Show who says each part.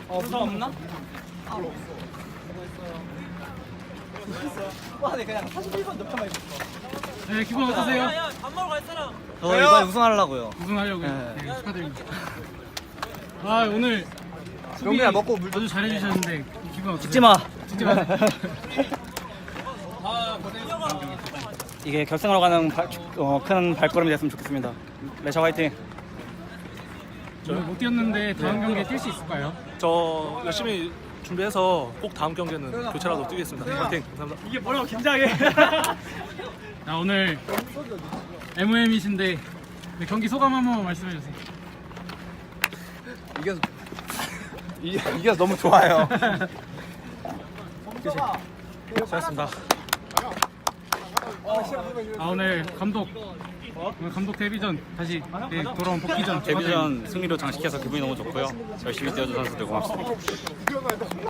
Speaker 1: 부상 없나? 와, 네 그냥 41번 높여만 입었어.
Speaker 2: 네, 기분 어떠세요?
Speaker 1: 밥 먹으러 갈 사람.
Speaker 3: 저 이번에 우승하려고요.
Speaker 2: 우승하려고요.
Speaker 3: 네.
Speaker 2: 네, 축하드립니다. 아, 오늘 수비
Speaker 3: 용기야, 먹고 물 좀-
Speaker 2: 아주 잘해주셨는데 기분 어떠세요?
Speaker 3: 찍지 마.
Speaker 2: 찍지 마.
Speaker 3: 이게 결승으로 가는 큰 발걸음이 됐으면 좋겠습니다. 레샤 화이팅.
Speaker 2: 오늘 못 뛰었는데 다음 경기에 뛸 수 있을까요?
Speaker 4: 저 열심히 준비해서 꼭 다음 경기에는 교체라도 뛰겠습니다. 화이팅! 감사합니다.
Speaker 1: 이게 뭐라고 긴장해.
Speaker 2: 자, 오늘 MOM이신데 경기 소감 한번 말씀해 주세요.
Speaker 4: 이게 너무 좋아요. 수고하셨습니다.
Speaker 2: 아, 오늘 감독 데뷔전 다시 돌아온 복귀전
Speaker 3: 데뷔전 승리로 장식해서 기분이 너무 좋고요. 열심히 뛰어준 선수들 고맙습니다.